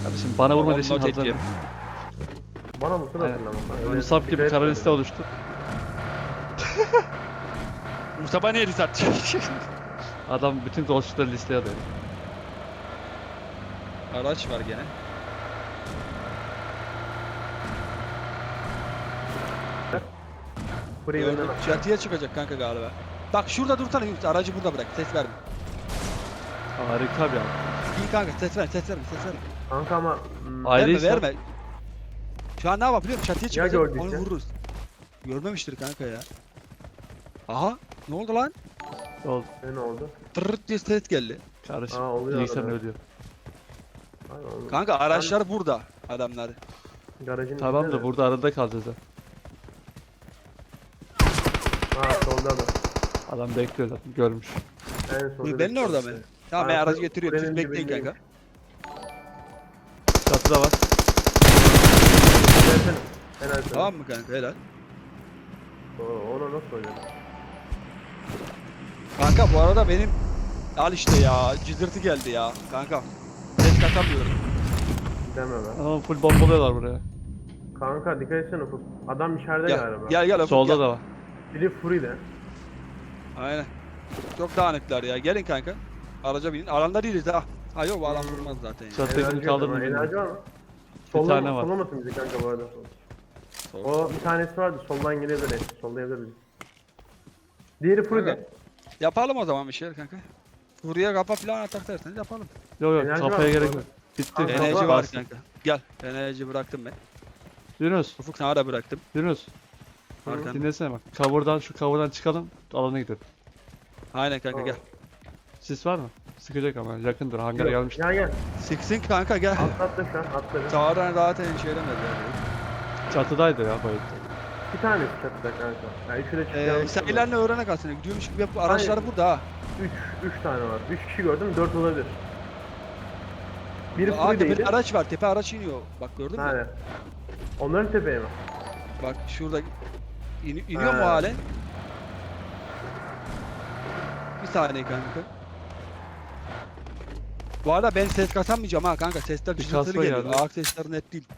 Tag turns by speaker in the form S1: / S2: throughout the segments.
S1: Kardeşim bana vurma
S2: Vallahi
S1: için
S2: tek
S1: hazır.
S2: yem.
S3: Bana mısın
S1: Aynen.
S3: hatırlamam.
S1: Musab gibi kara liste oluştu.
S2: Mustafa niye lise atacak?
S1: Adam bütün golcüleri listeye alıyor.
S2: Araç var gene.
S3: Burayı
S2: Gördüm.
S3: önden
S2: Çatıya çıkacak kanka galiba. Bak şurada dursana Yunus. Aracı burada bırak. Ses verme.
S1: Harika bir adam.
S2: İyi kanka ses ver, ses verme, ses verme.
S3: Kanka ama
S1: Ayrıysa
S2: Verme, verme. Şu an ne yapar biliyor musun? Çatıya çıkacak,
S3: gördüyse?
S2: onu vururuz. Görmemiştir kanka ya. Aha, ne oldu lan?
S1: yol
S3: ne oldu?
S2: Tırırt diye ses geldi.
S1: kardeşim.
S3: Oluyor
S1: Bilgisayarın
S3: arada.
S1: ölüyor.
S3: Aynen oldu.
S2: Kanka araçlar burada adamlar.
S3: Garajın
S1: Tamam
S3: içinde
S1: da
S3: mi?
S1: burada arada kalacağız ha.
S3: Ha solda da.
S1: Adam bekliyor zaten görmüş.
S3: En solda.
S2: Benim orada mı? Tamam ben aracı getiriyorum. Siz bekleyin kanka.
S1: Çatıda var.
S3: Gelsene. En az.
S2: Tamam mı kanka helal.
S3: Ona nasıl oynadın?
S2: Kanka bu arada benim al işte ya cızırtı geldi ya kanka. Ses katamıyorum.
S3: Deme be.
S1: Ama full bombalıyorlar buraya.
S3: Kanka dikkat etsene Ufuk. Adam içeride
S2: Gel
S3: galiba.
S2: gel gel. Ufuk,
S1: Solda
S2: gel.
S1: da var.
S3: Biri Fury'de.
S2: Aynen. Çok dağınıklar ya. Gelin kanka. Araca binin. Alanda değiliz ha. Ha yok bu alan vurmaz zaten ya.
S1: Çatıdakini
S3: Enerji yok
S1: kaldırdım
S3: ama.
S1: bilmiyorum.
S3: Enerji var mı?
S1: tane var.
S3: Sollamasın bizi kanka bu arada.
S2: Sol.
S3: O bir tanesi vardı. Soldan gelebilir. Sollayabilir bizi. Diğeri Fury'de.
S2: Kanka. Yapalım o zaman bir şeyler kanka. Buraya kapa falan atak derseniz yapalım.
S1: Yok yok
S3: Enerji
S1: kafaya
S3: var
S1: gerek
S3: mı?
S1: yok. Bitti.
S3: Kanka,
S2: Enerji
S3: var.
S2: var kanka. Gel. Enerji bıraktım ben.
S1: Yunus.
S2: Ufuk sana da bıraktım.
S1: Yunus.
S2: Arkan.
S1: Dinlesene bak. Şu cover'dan çıkalım. Alana gidelim.
S2: Aynen kanka gel.
S1: Sis var mı? Sıkacak ama yakındır. Hangara
S3: Yok,
S1: gelmiştir.
S3: Gel.
S2: Siksin kanka gel.
S3: Atlattı şu an. Atladı.
S2: Sağdan zaten şey edemez yani.
S1: Çatıdaydı ya bayıldı.
S3: Bir tanesi çatıda kanka. Yani üçü de çıkıyor.
S2: Sen ilerle öğrene kalsın. Gidiyormuş gibi yap. Araçlar
S3: Hayır.
S2: burada ha.
S3: Üç tane var. 3 kişi gördüm. 4 olabilir. Biri
S2: Aa
S3: Fury'deydi.
S2: tepede araç var. Tepe araç iniyor. Bak gördün mü?
S3: Aynen. Onların tepeye mi?
S2: Bak şurada iniyor mu
S3: Ha.
S2: hale? Bir saniye kanka. Bu arada ben ses kasamayacağım ha kanka. Sesler
S1: Bir
S2: cızırtılı
S1: kasma
S2: geliyor.
S1: geldi.
S2: Ağır sesler net değil.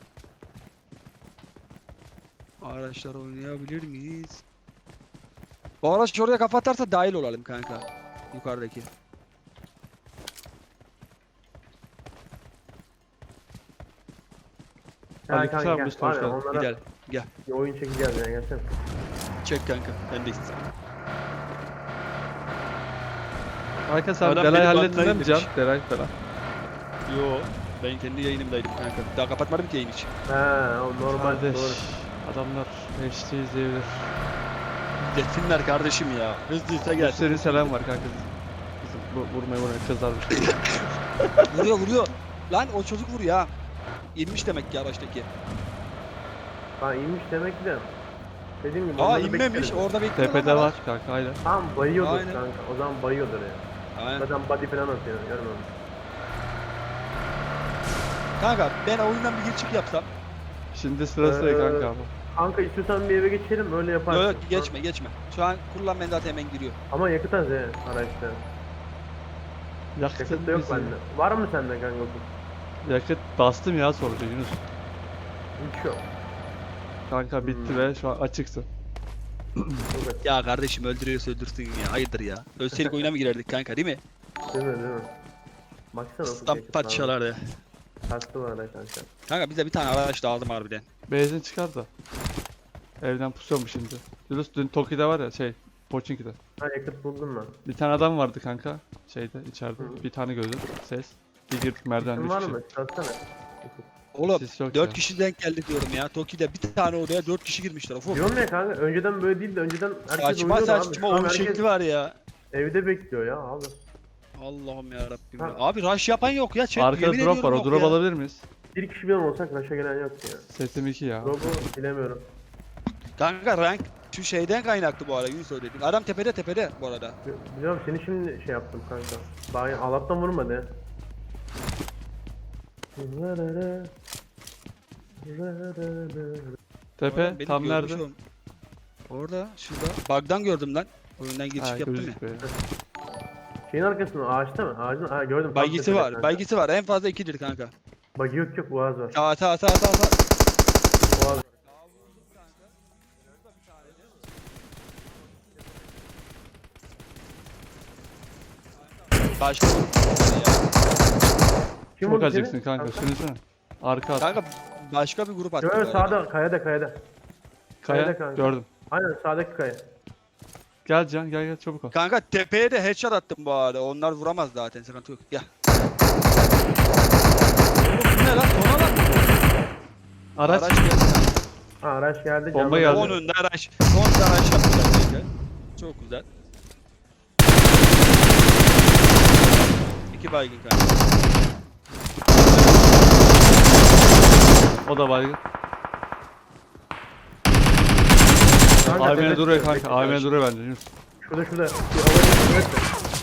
S2: Araçlar oynayabilir miyiz? Bu araç oraya kafa atarsa dahil olalım kanka. Yukarıdaki.
S1: Ali
S3: kanka,
S1: Kısa
S3: gel.
S1: Mustafa
S3: Var
S1: hoş
S3: ya,
S1: geldin.
S3: onlara
S2: Gel.
S3: bir oyun çekeceğiz yani gelsene.
S2: Çek kanka. Ben de istedim.
S1: Arka sen
S2: Adam
S1: Delay
S2: beni
S1: hallettin
S2: banlayın
S1: mi
S2: demiş.
S1: Can? Delay falan.
S2: Yo. Ben kendi yayınımdaydım kanka. Daha kapatmadım ki yayın için.
S3: He o normal
S1: Kardeş.
S3: doğru.
S1: Adamlar HD izleyebilir.
S2: Desinler kardeşim ya. Hızlıysa gel.
S1: Senin selam var kanka. Bizim vurmaya kızarmış.
S2: Vuruyor. Lan o çocuk vuruyor ha. İnmiş demek ki araçtaki.
S3: Ha inmiş demek ki de. Dediğim gibi
S2: Aa
S3: onları
S2: inmemiş
S3: bekleriz.
S2: orada bekliyor.
S1: Tepede var kanka aynen.
S3: Tamam bayıyordur
S2: Aynen.
S3: kanka. O zaman bayıyordur ya.
S2: Aynen.
S3: Zaten body falan atıyor. Görmüyorum.
S2: Kanka ben oyundan bir çık yapsam.
S1: Şimdi sırası kanka ama.
S3: Kanka istiyorsan bir eve geçelim öyle yaparsın.
S2: Yok geçme. Şu an kullan ben zaten hemen giriyor.
S3: Ama yakıt az he araçta.
S1: Yakıt
S3: Yakıt da yok
S1: bizim.
S3: bende. Var mı sende kanka?
S1: Yakıt bastım ya sonucu Yunus.
S3: Hiç yok.
S1: Kanka bitti ve şu an açıksın.
S3: Çok açık.
S2: Ya kardeşim öldürüyorsa öldürsün ya. Hayırdır ya. Ölseydik oyuna mı girerdik kanka değil mi?
S3: Değil mi? Baksana.
S2: Stamp parçalar ya.
S3: Kastı var da kanka.
S2: Kanka bize bir tane araç lazım harbiden.
S1: Benzin çıkar da. Evden pusuyorum şimdi. Yunus dün Toki'de var ya Pochinki'de.
S3: Ha yakıt buldum ben.
S1: Bir tane adam vardı kanka. İçeride.
S3: Hı.
S1: Bir tane gördüm. Ses. Bir girdik merdiven
S3: Kim var
S1: 3
S3: mı? Çalsana.
S2: Oğlum
S1: Sis yok
S2: 4
S1: ya.
S2: kişi denk geldik diyorum ya. Toki'de bir tane odaya 4 kişi girmişler. Ufuk.
S3: Diyorum ya kanka önceden böyle değildi. Önceden herkes
S2: Saçma
S3: uyuyordu abi.
S2: saçma
S3: Şu an
S2: oyun
S3: herkes
S2: şekli var ya.
S3: evde bekliyor ya abi.
S2: Allah'ım ya Rabbim.
S3: Ha.
S2: Abi rush yapan yok ya. Chat,
S1: Arkada
S2: yemin
S1: drop var.
S2: ediyorum
S1: O
S2: yok
S1: drop
S2: ya.
S1: alabilir miyiz?
S3: Bir kişi bile olsak raşa gelen yok ya.
S1: Sesim 2 ya.
S3: Drop'u bilemiyorum.
S2: Kanka rank şu şeyden kaynaklı bu arada Yunus söyledik. Adam tepede bu arada.
S3: Biliyorum seni şimdi şey yaptım kanka. Daha Allah'tan vurmadı.
S1: Tepe
S2: Oğlum, beni
S1: tam
S2: görmüş
S1: nerede?
S2: oğlum. Orada şurada. Bug'dan gördüm lan. Oyundan giriş
S1: Ha,
S2: yaptım ya.
S1: gözükmüyor.
S3: Şeyin arkasında ağaçta mı? Ağacın gördüm. tam
S2: Baygisi
S3: tepede
S2: var.
S3: kanka.
S2: Baygisi var. En fazla 2'dir kanka.
S3: Bak yok boğaz var.
S2: Sağ.
S3: Boğaz var.
S2: Başka grup ya.
S3: Kim
S1: Çok
S3: vurdu
S1: acıksın
S3: seni?
S1: kanka. Sürünsene. Arka at.
S2: Kanka başka bir grup attı.
S3: Yok
S2: galiba.
S3: sağda kayada.
S1: Kaya.
S3: kayada kanka.
S1: Gördüm.
S3: Aynen sağdaki kaya.
S1: Gel Can gel çabuk ol.
S2: Kanka tepeye de headshot attım bu arada. Onlar vuramaz zaten, sıkıntı yok. Gel. Oğlum bu ne lan? Son alan mı bu?
S1: Araç.
S2: Araç geldi.
S3: Ha, araç geldi.
S1: Bomba
S3: canlı-
S1: geldi.
S2: Onun da araç. Son da araç yaptılar kanka. Çok güzel. 2 baygın kanka.
S1: O da baygın.
S3: Kanka,
S1: AVM
S3: tepesi-
S1: duruyor kanka. AVM duruyor bence. Yunus.
S3: Şurada. Bir havaya evet.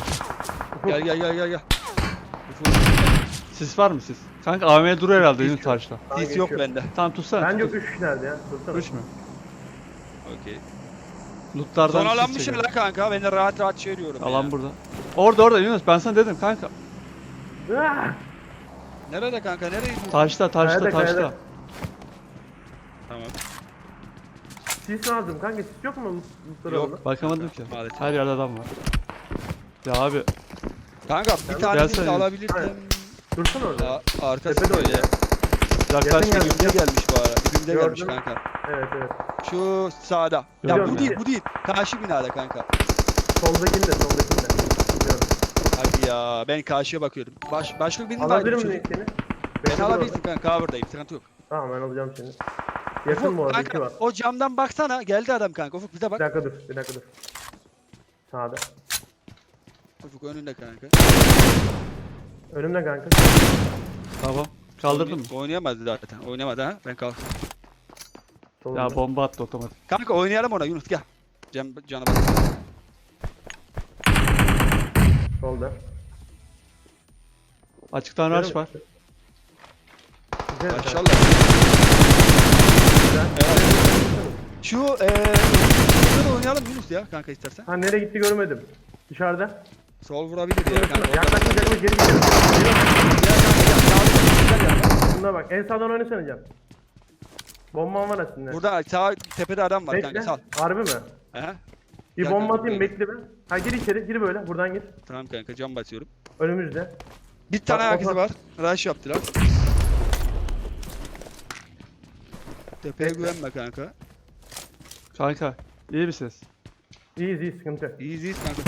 S2: Gel.
S1: Sis var mı sis? Kanka AVM duruyor herhalde
S2: Sis
S1: Yunus
S2: yok.
S1: taşla.
S2: Sis yok bende.
S1: Tamam tutsana.
S3: Bence
S1: tut.
S3: 3 nerede ya? Dursana.
S1: 3 mü?
S2: Okey.
S1: Lootlardan
S2: Son alan
S1: sis
S2: bir şey
S1: çekelim.
S2: lan kanka. Ben de rahat şey diyorum.
S1: Alan
S2: ya.
S1: burada. Orada Yunus ben sana dedim kanka.
S3: Ah!
S2: Nerede kanka? Nereye gidiyorsun?
S1: Taşta
S3: Kayada.
S1: taşta.
S2: Tamam.
S3: Sis lazım kanka, sis yok mu?
S2: Yok.
S1: Bakamadım ki.
S2: Maalesef.
S1: Her yerde adam var. Ya abi
S2: Kanka bir tane
S1: Gelsene.
S2: sis alabilirsin.
S3: Aynen. Dursana orada.
S2: Arkası
S3: Tepede
S2: böyle.
S3: oynuyor.
S1: yaklaş.
S3: Yakın geldi.
S2: Dibimde gelmiş bu ara. Dibimde
S3: Gördüm.
S2: gelmiş kanka.
S3: Evet.
S2: Şu sağda. Ya
S1: Biliyorum
S2: bu
S1: ya.
S2: değil bu değil. Karşı binada kanka.
S3: Soldakinde. Biliyorum.
S2: Hadi ya ben karşıya bakıyorum. Başka birini
S3: Alabilir
S2: var.
S3: miyim seni?
S2: Ben
S3: Bekle dur
S2: alabilirsin
S3: orada.
S2: kanka, cover'dayım, sıkıntı yok.
S3: Tamam ben alacağım seni. Yakın bu arada, iki
S2: Kanka
S3: var.
S2: o camdan baksana, geldi adam kanka. Ufuk bize
S3: Bir
S2: bak.
S3: dakika dur. Sağda.
S2: Ufuk önünde kanka.
S3: Önümde kanka.
S1: Tamam. Kaldırdın mı?
S2: Oynayamaz zaten. Oynayamadı ha. Ben kalk.
S3: Solunda.
S1: Ya bomba attı otomatik.
S2: Kanka oynayalım ona Yunus, gel. Canı bak.
S3: Solda.
S1: Açıktan rush var.
S3: Güzel.
S2: Maşallah.
S3: Güzel.
S2: Evet. Şu şurada oynayalım Yunus ya kanka istersen.
S3: Ha nereye gitti görmedim. Dışarıda.
S2: Sol vurabilir ya kanka.
S3: Yaklaşma geri gidiyor.
S2: Gel kanka gel.
S3: Buna bak. En sağdan oynasana Can. Bombam var aslında.
S2: Burada sağ tepede adam var kanka,
S3: Bekle.
S2: sal.
S3: Harbi mi?
S2: He?
S3: Bir
S2: Gel
S3: bomba
S2: kanka,
S3: atayım,
S2: buraya.
S3: bekle be. Ha gir içeri, gir böyle. Buradan gir.
S2: Tamam kanka, cam basıyorum.
S3: Önümüzde.
S2: Bir tane
S3: Bak,
S2: ayak izi
S3: bak.
S2: var. Rush yaptılar. Tepeye
S3: Bekle.
S2: güvenme kanka.
S1: Kanka iyi bir ses.
S3: İyiyiz, sıkıntı yok.
S2: İyiyiz kanka.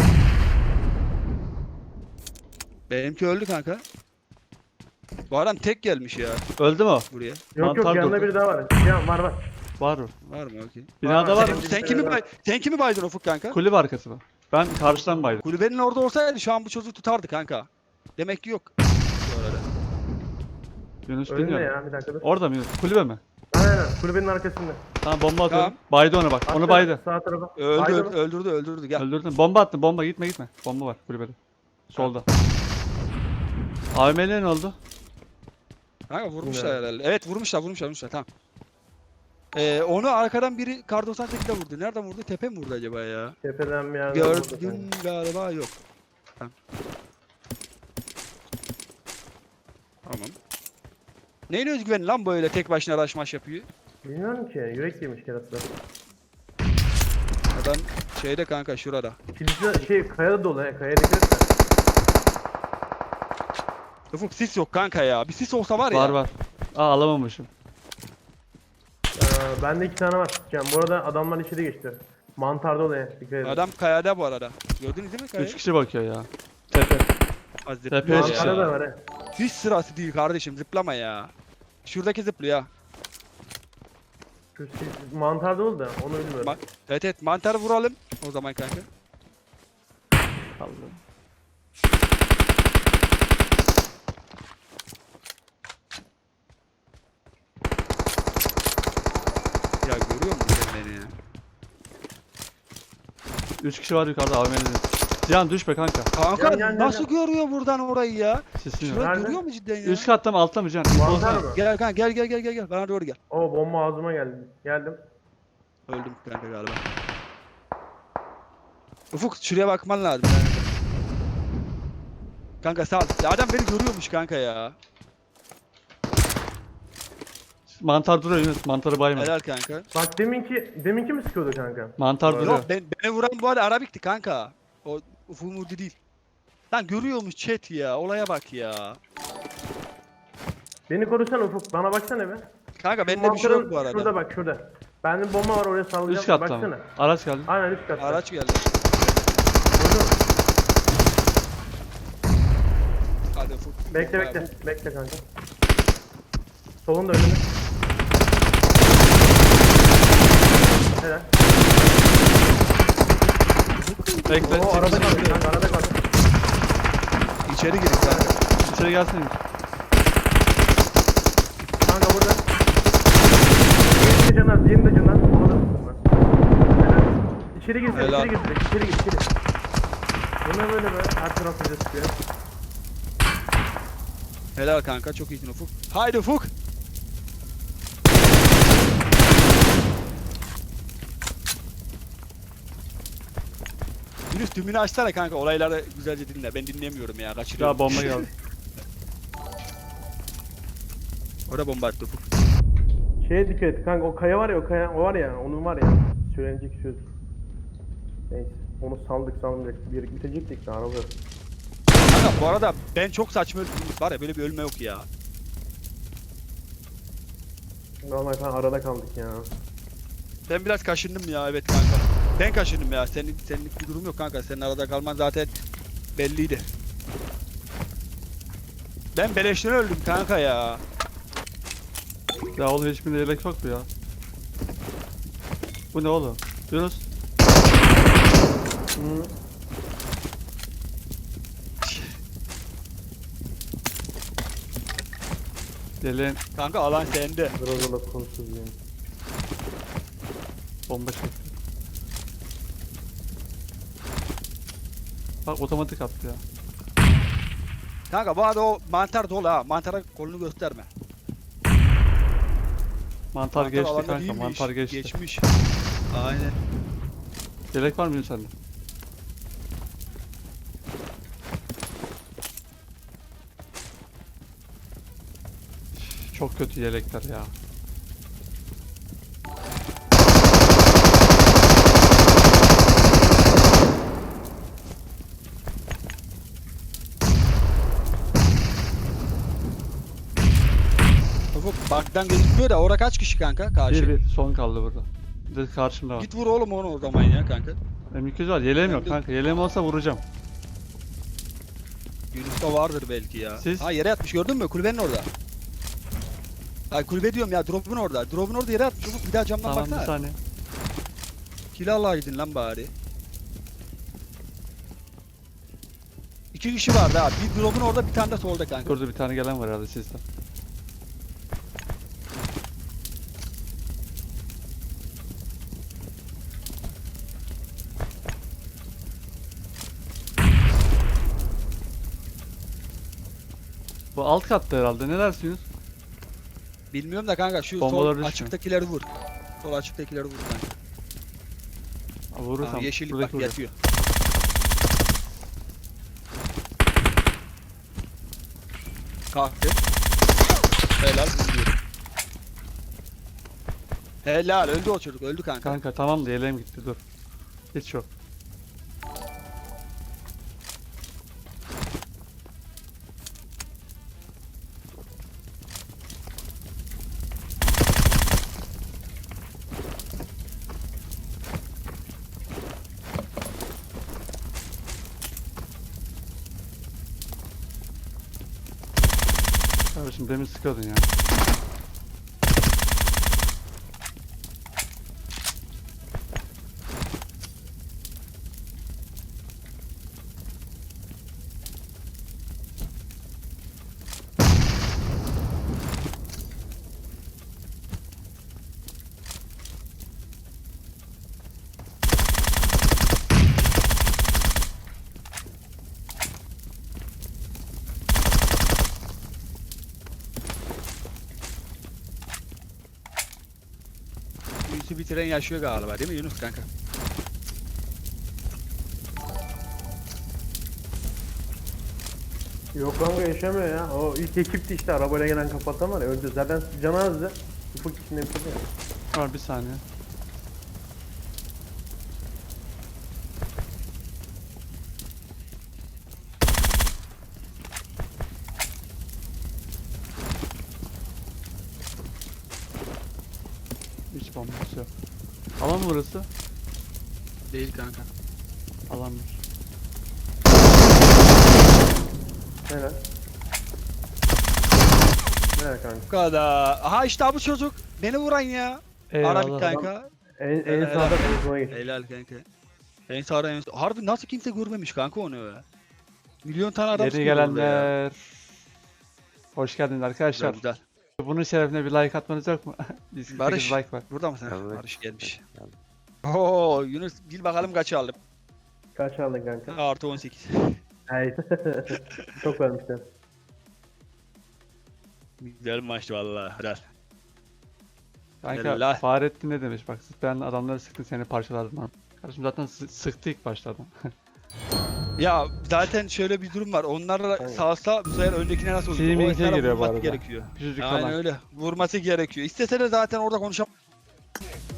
S2: Benimki öldü kanka. Bu adam tek gelmiş ya
S1: Öldü mü o?
S2: buraya.
S3: Yok
S1: Mantar
S3: yanında
S1: durdu.
S3: biri daha var. Can var.
S1: Var mı?
S2: Var mı? Okey.
S1: Binada var
S3: Sen-
S1: mı?
S2: Sen kimi baydın Ufuk kanka?
S1: Kulübe arkası mı? Ben karşıdan baydım.
S2: Kulübenin orada olsaydı şu an bu çocuğu tutardı kanka. Demek ki yok. Bu arada.
S1: Yunus
S3: Önünde
S1: bilmiyorum.
S3: ya, bir dakika dur.
S1: Orada mı Yunus? Kulübe mi?
S3: Aynen, kulübenin arkasında.
S1: Tamam bomba atıyorum.
S2: Tamam.
S1: Baydı onu bak. Onu
S3: Aşağı,
S1: baydı.
S3: Sağ tarafa.
S2: Öldü,
S3: Baydı mı?
S2: öldürdü gel.
S1: Öldürdün. Bomba attım. Bomba gitme. Bomba var kulübede. Solda. AVM'le ne oldu?
S2: Kanka vurmuşlar
S3: Bilmiyorum.
S2: herhalde. Evet vurmuşlar tamam. Onu arkadan biri kar 98'de vurdu. Nereden vurdu? Tepe mi vurdu acaba ya?
S3: Tepeden bir yerden vurdu sanki.
S2: Gördüm galiba, yok. Tamam. Neyin özgüveni lan böyle tek başına rush maş yapıyor?
S3: Bilmiyorum ki, yürek yemiş kerası.
S2: Adam şeyde kanka şurada.
S3: Kilise kayada dolu he, kayaya dikkat et.
S2: Ufuk sis yok kanka ya. Bir sis olsa var ya.
S1: Var. Aa alamamışım.
S3: Bende 2 tane var. Can bu arada adamlar içeri geçti. Mantar dolu he, dikkat edin.
S2: Adam kayada bu arada. Gördünüz değil mi kayayı?
S1: 3 kişi bakıyor ya. Tepe.
S2: Hazreti
S1: Tepeye
S2: ya.
S1: çıkıyor.
S3: Mantarda da var he.
S2: Hiç sırası değil kardeşim, zıplama ya. Şuradaki zıplıyor ya.
S3: Mantar dolu da onu bilmiyorum.
S2: Bak. Evet mantarı vuralım o zaman kanka.
S1: Allah'ım.
S2: Ya görüyor musun sen beni ya?
S1: 3 kişi var yukarıda AVM'de. Cihan düşme kanka.
S2: Kanka
S3: Gel.
S2: nasıl görüyor buradan orayı ya?
S1: Sesin yok.
S2: Şurayı
S3: Nerede?
S2: görüyor mu cidden ya?
S1: Üst katta mı altta mı Cihan?
S3: Mantar
S1: Bozma.
S3: mı?
S2: Gel kanka gel bana doğru gel.
S3: O bomba ağzıma geldi. Geldim.
S2: Öldüm kanka galiba. Ufuk şuraya bakman lazım. Kanka sağ ol. Ya adam beni görüyormuş kanka ya.
S1: Mantar duruyor Yunus. Mantarı bayma.
S2: Helal kanka.
S3: Bak deminki mi sıkıyordu kanka?
S1: Mantar
S3: Yok,
S1: duruyor.
S2: Yok beni vuran bu arada Arabik'ti kanka. O Ufumudi değil. Lan görüyormuş chat ya. Olaya bak ya.
S3: Beni korusana Ufuk. Bana baksana be.
S2: Kanka
S3: Şu
S2: bende bir şey yok
S3: mantarın
S2: bu arada.
S3: Şurada bak şurada. Bende bomba var oraya sallayacağım.
S1: Üst katta mı?
S3: Baksana.
S1: Araç geldi.
S3: Aynen üst katta.
S2: Araç geldi.
S3: Gördün mü?
S2: Hadi Ufuk.
S3: Bekle
S2: Bomba
S3: bekle.
S2: Ufuk.
S3: Bekle kanka. Solunda önünde. Helal.
S1: Bekle.
S3: Oo arada kaldı kanka arada kaldı.
S2: İçeri girin kanka.
S1: İçeri gelsene.
S3: Kanka burada. Diğerini de canaz, diğerini de canaz. Ona da tutma. Helal. İçeri gir,
S2: Helal.
S3: içeri gir direkt, içeri gir, içeri. Bu ne böyle be? Her taraf bize sıkıyor.
S2: Helal kanka çok iyisin Ufuk. Haydi Ufuk. Yunus tümünü açsana kanka olayları güzelce dinle. Ben dinlemiyorum ya kaçırıyorum.
S1: Ya bomba geldi.
S2: Orada bomba attı Ufuk.
S3: Şeye dikkat et kanka, o kaya var ya, o var ya, onun var ya. Söylenecek söz. Neyse, onu saldık. Bir bitecektik de araba yok.
S2: Kanka bu arada ben çok saçma öldüm. Var ya böyle bir ölme yok ya.
S3: Normal kanka arada kaldık ya.
S2: Ben biraz kaşındım ya evet kanka. Ben kaşındım ya. Senlik bir durum yok kanka. Senin arada kalman zaten belliydi. Ben beleşten öldüm kanka ya.
S1: Ya oğlum hiçbirinde yelek yok mu ya? Bu ne oğlum? Yunus.
S3: Hı.
S1: Yeleğin
S2: Kanka alan sende.
S3: Biraz da konusuz yani.
S1: bomba çekti. Bak otomatik attı ya.
S2: Kanka bu arada o mantar dolu ha. Mantara kolunu gösterme.
S1: Mantar geçti
S2: alanda
S1: kanka.
S2: değilmiş,
S1: Mantar geçti.
S2: Geçmiş. Aynen.
S1: Yelek var mı Yunus sende? Çok kötü yelekler ya.
S2: Ufuk baktan gözükmüyor da orada kaç kişi kanka karşı?
S1: Bir son kaldı burada. Bir de karşımda var.
S2: Git vur oğlum onu o zaman ya kanka.
S1: M200 var. Yeleğim
S2: Ben
S1: yok
S2: de-
S1: kanka. Yeleğim olsa vuracağım.
S2: Yunus'ta vardır belki ya.
S1: Siz?
S2: Ha yere yatmış gördün mü? Kulübenin orada. Ha kulübe diyorum ya drop'un orada. Drop'un orada yere yatmış Ufuk bir daha camdan
S1: Tamam bir
S2: baksana.
S1: saniye.
S2: Kill alaydın lan bari. İki kişi vardı ha. Bir drop'un orada bir tane de solda kanka.
S1: Burada bir tane gelen var herhalde sizden. Bu alt katta herhalde. Ne dersiniz?
S2: Bilmiyorum da kanka şu
S1: Bombalar
S2: sol
S1: düşmüyor.
S2: açıktakileri vur. Sol açıktakileri vur kanka.
S1: Vurursam
S2: Aa, yeşillik
S1: buradaki
S2: bak
S1: vuracak.
S2: yatıyor. Kalktı. Helal vuruyorum. Helal öldü o çocuk öldü kanka.
S1: Kanka tamam da yeleğim gitti dur. Hiç yok. Kardeşim demin sıkıyordun ya.
S2: Yunus'u bitiren yaşıyor galiba değil mi Yunus kanka?
S3: Yok kanka yaşamıyor ya. O ilk ekipti işte arabayla gelen kapatan var ya. Önce zaten canı azdı. Ufuk içinde bitirdi ya.
S1: Var bir saniye. Hiç bombası yok. Alan mı burası?
S2: Değil kanka.
S1: Alanmış.
S3: Helal. Helal kanka.
S2: Bu kadar. Aha işte bu çocuk. Beni vuran ya. Arabik
S1: Eyvallah.
S2: kanka.
S3: En
S2: Helal,
S3: sağda
S2: helal.
S3: en sona geç.
S2: Helal kanka. En sağda en sağda. Harbi nasıl kimse görmemiş kanka onu ya. Milyon tane adam
S1: Yeni
S2: sıkıyor orada ya.
S1: gelenler. Hoş geldiniz
S2: Güzel,
S1: arkadaşlar.
S2: güzel.
S1: Bunun şerefine bir like atmanız yok mu? 148
S2: Barış.
S1: like var.
S2: Burada mısın?
S4: Tabii.
S2: Barış gelmiş.
S4: Tabii.
S2: Oo Yunus bil bakalım kaç aldım.
S3: Kaç aldın kanka?
S2: Artı 18.
S3: Hayır. Çok vermişler.
S2: Güzel maçtı valla. Helal.
S1: Kanka
S2: Helal.
S1: Fahrettin ne demiş bak ben adamları sıktın seni parçaladım lan. Kardeşim zaten sıktı ilk başta adam.
S2: Ya zaten şöyle bir durum var. Onlarla
S3: Aynen.
S2: salsa bu sefer öndekine nasıl olur?
S1: Teaming'e
S2: O esnada
S1: giriyor bu
S2: vurması
S1: arada.
S2: gerekiyor.
S1: Küçücük
S2: Aynen
S1: falan.
S2: öyle. Vurması gerekiyor. İstese de zaten orada konuşam.